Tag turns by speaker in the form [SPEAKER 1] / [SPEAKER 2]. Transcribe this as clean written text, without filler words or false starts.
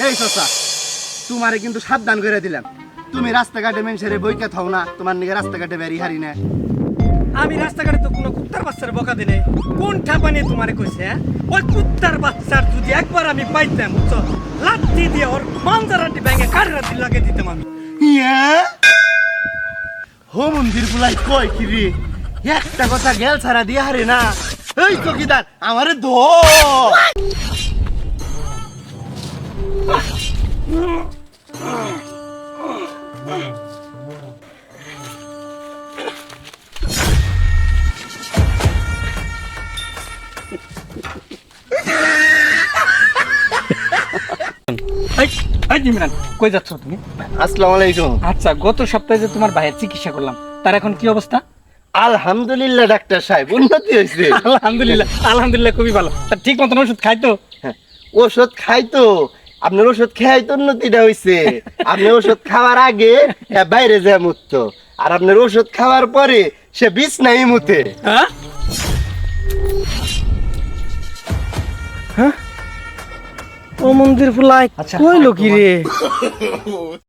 [SPEAKER 1] এই চাচা, তোমারে কিন্তু সাবধান করে দিলাম। তুমি রাস্তাঘাটে মানুষের বইকে থাও না, তোমার নিকে রাস্তাঘাটে বেরি হারি না।
[SPEAKER 2] আমি রাস্তাঘাটে তো কোনো কুত্তার বাচ্চার বকা দিনে কোন ঠাপা নিয়ে তোমারে কইছে? হ্যাঁ, ওই কুত্তার বাচ্চার যদি একবার আমি পাইতাম, বুঝছো, লাঠি দিয়ে ওর মাঞ্জারাটি ভেঙে কাঠরাটি লাগিয়ে দিতাম আমি।
[SPEAKER 1] ইয়া হো মন্দির গুলাই কয় কি রে, একটা কথা গেল ছাড়া দিয়ে হারে না। এই চকিদার আমারে ধো।
[SPEAKER 2] ইমরান, কই যাচ্ছ তুমি?
[SPEAKER 1] আসসালামু আলাইকুম।
[SPEAKER 2] আচ্ছা, গত সপ্তাহে যে তোমার ভাইয়ের চিকিৎসা করলাম, তার এখন কি অবস্থা?
[SPEAKER 1] আলহামদুলিল্লাহ ডাক্তার সাহেব, উন্নতি হয়েছে।
[SPEAKER 2] আলহামদুলিল্লাহ, আলহামদুলিল্লাহ, খুবই ভালো। তা ঠিক মতন ওষুধ খাই তো?
[SPEAKER 1] ওষুধ খাইতো, আপনার ওষুধ খাই তো উন্নতিটা হয়েছে। আপনি ওষুধ খাওয়ার আগে বাইরে যায় মুততো, আর আপনার ওষুধ খাওয়ার পরে সে বিছনায় মুতে।
[SPEAKER 2] হ্যাঁ, ও মন্দির ফুলাই
[SPEAKER 1] আচ্ছা,
[SPEAKER 2] কইলো কি রে?